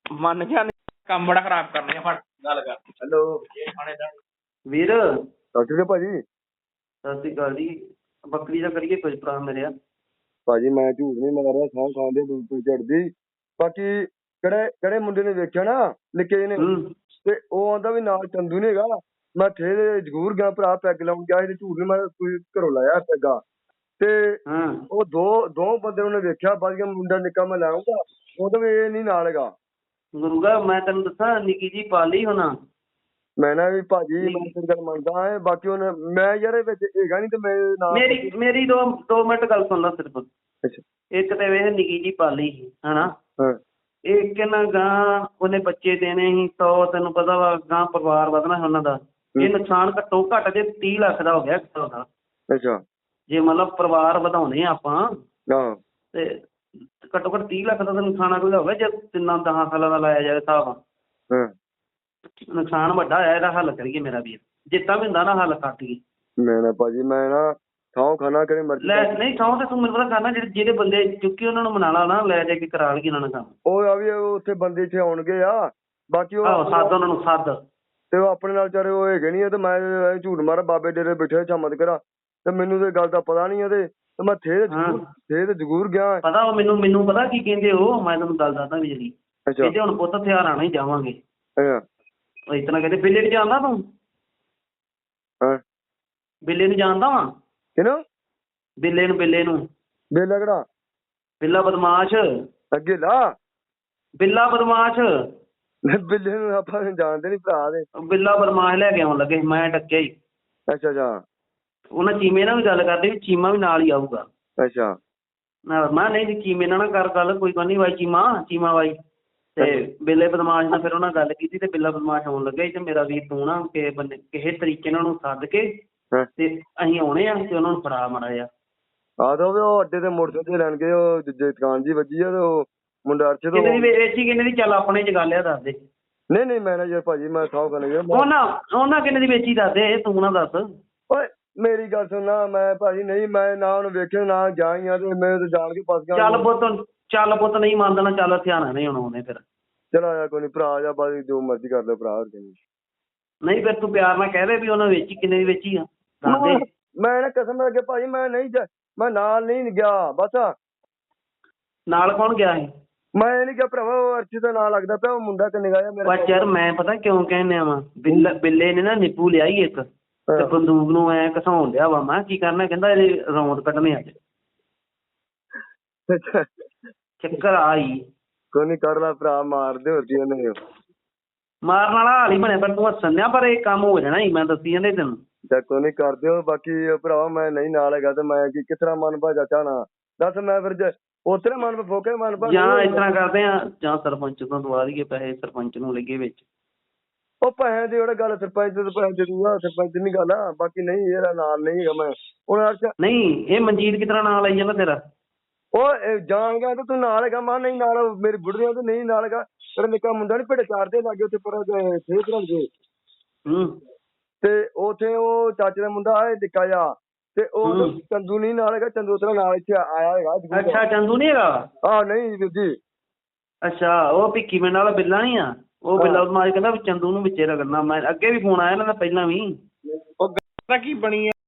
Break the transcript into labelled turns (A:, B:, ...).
A: ਮੰਨ ਗਿਆ ਕੰਮ ਬੜਾ ਖਰਾਬ ਕਰਨੇ ਆ। ਫੜ ਗੱਲ ਕਰ।
B: ਹੈਲੋ ਵੀਰ।
C: ਸਤਿ ਸ਼੍ਰੀ ਅਕਾਲ ਭਾਜੀ।
B: ਸਤਿ ਸ਼੍ਰੀ ਅਕਾਲ ਜੀ। ਬੱਕਰੀ ਦਾ ਕਰੀਏ ਕੁਝ ਭਰਾ ਮੇਰੇ।
C: ਭਾਜੀ ਮੈਂ ਝੂਠ ਨਹੀਂ ਮਾਰ ਰਿਹਾ, ਸਾਹ ਖਾਂਦੇ ਬਿਲਕੁਲ ਝੜਦੀ। ਬਾਕੀ ਕਿਹੜੇ ਮੁੰਡੇ ਨੇ ਵੇਖਿਆ ਨਾ ਨਿੱਕੇ ਜਿਹੇ ਨੇ, ਤੇ ਉਹ ਆਂਦਾ ਵੀ ਨਾਲ ਚੰਦੂ ਨੀ ਹੈਗਾ। ਮੈਂ ਥੇ ਜ਼ਰੂਰ ਗਿਆ ਭਰਾ, ਪੈਗ ਲਾਉਣ ਗਿਆ ਸੀ, ਝੂਠ ਨੀ ਮਾਰਿਆ, ਕੋਈ ਘਰੋਂ ਲਾਇਆ ਪੈਗਾ। ਤੇ ਉਹ ਦੋ ਬੰਦੇ ਉਹਨੇ ਵੇਖਿਆ, ਵੱਧ ਗਿਆ ਮੁੰਡਾ ਨਿੱਕਾ ਮੈਂ ਲਾਉਂਗਾ, ਉਹ ਤਾਂ ਵੀ ਇਹ ਨਹੀਂ ਨਾਲ ਹੈਗਾ।
B: ਗੁਰੂਗਾ ਮੈਂ ਤੈਨੂੰ ਦੱਸਾਂ ਨਿੱਕੀ ਜੀ ਪਾਲੀ ਹੋਣਾ। ਮੈਂ
C: ਨਾ ਵੀ ਭਾਜੀ ਮੈਂ ਤੇਰੀ ਗੱਲ ਮੰਨਦਾ ਹੈ, ਬਾਕੀ ਉਹਨੇ ਮੈਂ ਯਾਰ ਇਹ ਵਿੱਚ ਹੈਗਾ ਨਹੀਂ ਤੇ ਮੈਂ ਨਾਲ
B: ਮੇਰੀ 2 ਮਿੰਟ ਗੱਲ ਸੁਣ ਲਾ ਸਿਰਫ।
C: ਅੱਛਾ।
B: ਇੱਕ ਤੇ ਵੇਖ ਨਿੱਕੀ ਜੀ ਪਾਲੀ ਸੀ ਹਨਾ, ਇੱਕ ਨਾ ਗਾਂ ਉਹਨੇ ਬੱਚੇ ਦੇਣੇ ਸੀ 100, ਤੈਨੂੰ ਪਤਾ ਵਾ ਗਾਂ ਪਰਿਵਾਰ ਵਧਣਾ ਉਹਨਾਂ ਦਾ। ਇਹ ਨੁਕਸਾਨ ਘੱਟੋ ਘੱਟ ਜੇ 30 ਲੱਖ ਦਾ ਹੋ ਗਿਆ ਦਾ।
C: ਅੱਛਾ।
B: ਜੇ ਮਤਲਬ ਪਰਿਵਾਰ ਵਧਾਉਣੇ ਆਪਾਂ ਤੇ ਘੱਟੋ ਘੱਟ 30 ਲੱਖ ਦਾ ਤਾਂ ਨੁਕਸਾਨ ਕੋਈ ਹੋਵੇ ਜੇ 10 ਸਾਲਾਂ ਦਾ ਲਾਇਆ ਜਾਵੇ ਹਿਸਾਬ। ਨੁਕਸਾਨ ਵੱਡਾ ਹੋਇਆ, ਇਹਦਾ ਹੱਲ ਕਰੀਏ ਮੇਰਾ ਵੀਰ। ਜਿੱਦਾਂ ਵੀ ਹੁੰਦਾ ਨਾ ਹੱਲ ਕੱਟੀਏ।
C: ਮੈਂ ਨਾ ਭਾਜੀ ਮੈਂ ਨਾ ਥਾਂ ਖਾਣਾ ਕਿਹੜੇ ਮਰਜ਼ੀ
B: ਲੈ ਨਹੀਂ ਥਾਂ ਤੇ ਤੂੰ ਮੈਨੂੰ ਪਤਾ ਖਾਣਾ, ਜਿਹੜੇ ਬੰਦੇ ਚੁੱਕੀ ਉਹਨਾਂ ਨੂੰ ਮਨਾ ਲਾ ਨਾ, ਲੈ ਜਾ ਕੇ ਕਰਾ ਲਈਏ ਉਹਨਾਂ ਨਾਲ ਕੰਮ।
C: ਉਹ ਆ ਵੀ ਉੱਥੇ ਬੰਦੇ ਇੱਥੇ ਆਉਣਗੇ ਆ, ਬਾਕੀ ਉਹ
B: ਸੱਦ ਉਹਨਾਂ ਨੂੰ ਸੱਦ।
C: ਤੇ ਉਹ ਆਪਣੇ ਨਾਲ ਵਿਚਾਰੇ ਉਹ ਹੈਗੇ ਨਹੀਂ, ਤੇ ਮੈਂ ਝੂਠ ਮਾਰਾ ਬਾਬੇ ਡੇਰੇ ਬੈਠੇ ਚਮਤ ਕਰਾਂ, ਤੇ ਮੈਨੂੰ ਤੇ ਗੱਲ ਦਾ ਪਤਾ ਨਹੀਂ ਇਹਦੇ, ਤੇ ਮੈਂ ਥੇ ਤੇ ਜ਼ਰੂਰ ਗਿਆ।
B: ਪਤਾ ਉਹ ਮੈਨੂੰ ਪਤਾ ਕੀ ਕਹਿੰਦੇ ਉਹ, ਮੈਂ ਤੁਹਾਨੂੰ ਗੱਲ ਦੱਸਦਾ ਵੀ ਜਿਹੜੀ ਕਹਿੰਦੇ ਹੁਣ ਪੁੱਤ ਹਥਿਆਰ ਆਣਾ ਹੀ ਜਾਵਾਂਗੇ। ਉਹ ਇਸ ਤਰ੍ਹਾਂ ਕਹਿੰਦੇ ਬਿੱਲੇ ਨੂੰ ਜਾਣਦਾ ਤੂੰ? ਬਿੱਲੇ ਨੂੰ ਜਾਣਦਾ ਵਾ?
C: ਕਿਹਨੂੰ?
B: ਬਿੱਲੇ ਨੂੰ।
C: ਬੇਲਾ ਕਿਹੜਾ?
B: ਬਿੱਲਾ ਬਦਮਾਸ਼।
C: ਅੱਗੇ ਲਾ
B: ਬਿੱਲਾ ਬਦਮਾਸ਼।
C: ਬਿੱਲੇ ਨੂੰ ਆਪਾਂ ਜਾਣਦੇ ਨੀ ਭਰਾ ਦੇ।
B: ਬਿੱਲਾ ਬਦਮਾਸ਼ ਲੈ ਕੇ ਆਉਣ ਲੱਗੇ, ਮੈਂ ਡੱਕਿਆ ਹੀ।
C: ਅੱਛਾ।
B: ਉਹਨਾਂ ਚੀਮੇ ਨਾਲ ਵੀ ਗੱਲ ਕਰਦੇ ਵੀ ਚੀਮਾ ਵੀ ਨਾਲ ਹੀ ਆਊਗਾ।
C: ਅੱਛਾ।
B: ਮੈਂ ਨਹੀਂ ਜੀ ਚੀਮੇ ਨਾਲ ਨਾ ਕਰ ਗੱਲ, ਕੋਈ ਗੱਲ ਨਹੀਂ ਬਾਈ ਚੀਮਾ ਬਾਈ। ਤੇ ਬਿੱਲੇ ਬਦਮਾਸ਼ ਨਾਲ ਫਿਰ ਉਹਨਾਂ ਗੱਲ ਕੀਤੀ, ਤੇ ਬਿੱਲਾ ਬਦਮਾਸ਼ ਆਉਣ ਲੱਗਾ ਤੇ ਮੇਰਾ ਵੀਰ ਤੂੰ ਨਾ ਕਿਸੇ ਤਰੀਕੇ ਨਾਲ ਉਹਨੂੰ ਸੱਦ ਕੇ ਤੇ ਅਸੀਂ ਆਉਣੇ ਆ ਤੇ ਉਹਨਾਂ ਨੂੰ ਫੜਾ ਮਾੜਾ ਜਿਹਾ।
C: ਉਹ ਅੱਡੇ ਤੇ ਮੋਟਰਸਾਈਕਲ ਲੈਣ ਗਏ, ਉਹ ਦੁਕਾਨ ਜੀ ਵੱਜੀ ਆ, ਤੇ ਉਹ ਮੁੰਡਾ ਅਰਸ਼ਦ
B: ਕਿੰਨੇ ਦੀ ਵੇਚੀ, ਕਿੰਨੇ ਦੀ? ਚੱਲ ਆਪਣੇ ਚ ਗੱਲ ਆ, ਦੱਸ ਦੇ।
C: ਨਹੀਂ ਮੈਂ ਨਾ ਯਾਰ ਭਾਜੀ ਮੈਂ ਥਾਂ ਖਾਣੇ
B: ਉਹਨਾਂ ਕਿੰਨੇ ਦੀ ਵੇਚੀ ਦੱਸ ਦੇ, ਤੂੰ ਨਾ ਦੱਸ।
C: ਓਏ ਮੇਰੀ ਗੱਲ ਸੁਣਨਾ, ਮੈਂ ਭਾਜੀ ਨਹੀਂ, ਮੈਂ ਨਾ ਉਹਨੂੰ ਵੇਖਿਆ ਨਾ ਜਾ ਹੀ ਆ, ਤੇ ਮੈਂ ਤਾਂ ਜਾਣ ਕੇ ਫਸ ਗਿਆ।
B: ਚੱਲ ਪੁੱਤ ਨਹੀਂ ਮੰਨਦਾ, ਚੱਲ ਹਥਿਆਰਾਂ ਨਹੀਂ ਆਉਣੇ ਫਿਰ।
C: ਚਲ ਆਇਆ ਕੋਈ ਨੀ ਭਰਾ, ਜਾ ਬਾਜੀ ਜੋ ਮਰਜ਼ੀ ਕਰ ਲੈ ਭਰਾ।
B: ਨਹੀਂ ਫਿਰ ਤੂੰ ਪਿਆਰ ਨਾਲ ਕਹਿ ਦੇ ਵੀ ਉਹਨਾਂ ਵੇਚੀ, ਕਿੰਨੇ ਦੀ ਵੇਚੀ ਆ ਦੱਸ ਦੇ।
C: ਮੈਂ ਨਾ ਕਸਮ ਲੱਗੇ ਭਾਜੀ ਮੈਂ ਨਹੀਂ, ਮੈਂ ਨਾਲ ਨਹੀਂ ਗਿਆ ਬਸ।
B: ਨਾਲ ਕੌਣ ਗਿਆ ਸੀ?
C: ਮੈਂ ਨਹੀਂ ਗਿਆ ਭਰਾਵਾ, ਉਹ ਅਰਸ਼ਦ ਦਾ ਨਾਂ ਲੱਗਦਾ ਪਿਆ, ਉਹ ਮੁੰਡਾ ਤੇ ਨਿਗਾਹ ਮੇਰਾ।
B: ਬਸ ਯਾਰ ਮੈਂ ਪਤਾ ਕਿਉਂ ਕਹਿੰਦੇ ਵਾ, ਬਿੱਲੇ ਨੇ ਨਾ ਨਿੱਪੂ ਲਿਆਈ ਇੱਕ, ਤੇ ਬੰਦੂਕ ਨੂੰ ਐ ਘਸਾਉਣ ਲਿਆ ਵਾ। ਮੈਂ ਕੀ ਕਰਨਾ, ਕਹਿੰਦਾ ਇਹਦੇ ਰੌਂਦ ਕੱਢਣੇ ਅੱਜ। ਚੱਕਰ ਆਈ
C: ਕੋਈ ਨੀ ਕਰ ਲਾ ਭਰਾ, ਮਾਰਦੇ ਹੋਰ ਕੀ ਉਹਨੇ
B: ਮਾਰਨ ਵਾਲਾ ਹਾਲ ਹੀ ਬਣਿਆ। ਪਰ ਤੂੰ ਹੱਸਣ ਡਿਆ, ਪਰ ਇਹ ਕੰਮ ਹੋ ਜਾਣਾ ਹੀ, ਮੈਂ ਦੱਸੀ ਜਾਂਦੇ ਤੈਨੂੰ।
C: ਚੱਲ ਕੋਈ ਨੀ ਕਰ ਦਿਓ। ਬਾਕੀ ਭਰਾਵਾ ਮੈਂ ਨਹੀਂ ਨਾਲ ਹੈਗਾ, ਤੇ ਮੈਂ ਕਿਸ ਤਰ੍ਹਾਂ ਮਨ ਭਾ ਚਾਹਣਾ ਦੱਸ। ਮੈਂ ਫਿਰ ਉੱਥੇ ਮਨ ਫੋਕੇ ਮਨ ਭਾ,
B: ਜਾਂ ਇਸ ਤਰ੍ਹਾਂ ਕਰਦੇ ਆ, ਜਾਂ ਸਰਪੰਚ ਤੋਂ ਦਵਾ ਦਈਏ ਪੈਸੇ, ਸਰਪੰਚ ਨੂੰ ਲੱਗੇ ਵਿੱਚ।
C: ਉਹ ਪੈਸੇ ਦੀ ਉਹਦਾ ਗੱਲ, ਸਰਪੰਚ ਦੇ ਪੈਸੇ ਦੇ ਦੂਗਾ, ਸਰਪੰਚ ਨੀ ਗੱਲ ਆ। ਬਾਕੀ ਨਹੀਂ ਇਹਦਾ ਨਾਲ ਨਹੀਂ ਹੈਗਾ ਮੈਂ ਹੁਣ।
B: ਨਹੀਂ ਇਹ ਮਨਜੀਤ ਕਿਸ ਤਰ੍ਹਾਂ ਨਾਲ ਆਈ ਜਾਂਦਾ ਤੇਰਾ?
C: ਉਹ ਜਾਣ ਗਿਆ ਤੇ ਤੂੰ ਨਾਲ ਹੈਗਾ? ਮੈਂ ਨਹੀਂ ਨਾਲ, ਮੇਰੀ ਬੁੜੀਆਂ ਤੇ ਨਹੀਂ ਨਾਲ ਹੈਗਾ। ਤੇਰਾ ਨਿੱਕਾ ਮੁੰਡਾ ਨੀ ਭਿੱਡ ਚਾਰਦੇ ਲਾਗੇ ਉੱਥੇ ਪਰ ਤੇ ਉੱਥੇ ਉਹ ਚਾਚੇ ਦਾ ਮੁੰਡਾ ਹੈ ਨਿੱਕਾ ਜਿਹਾ, ਤੇ ਉਹ ਚੰਦੂ ਨਹੀਂ ਨਾਲ ਹੈਗਾ। ਚੰਦੂ ਤੇਰਾ ਨਾਲ ਇੱਥੇ ਆਇਆ ਹੈਗਾ।
B: ਅੱਛਾ ਚੰਦੂ ਨੀ ਹੈਗਾ?
C: ਨਹੀਂ ਵੀਰ ਜੀ।
B: ਅੱਛਾ ਉਹ ਭਿੱਖੀ ਮਿੰਡ ਵਾਲਾ ਬਿੱਲਾ ਨੀ ਆ? ਉਹ ਬਿੱਲਾ ਬਦਮਾਸ਼ ਕਹਿੰਦਾ ਵੀ ਚੰਦੂ ਨੂੰ ਵਿੱਚੇ ਰਗੜਨਾ। ਮੈਂ ਅੱਗੇ ਵੀ ਫੋਨ ਆਇਆ ਇਹਨਾਂ ਦਾ ਪਹਿਲਾਂ ਵੀ।
A: ਉਹ ਗੱਲ ਕੀ ਬਣੀ ਆ?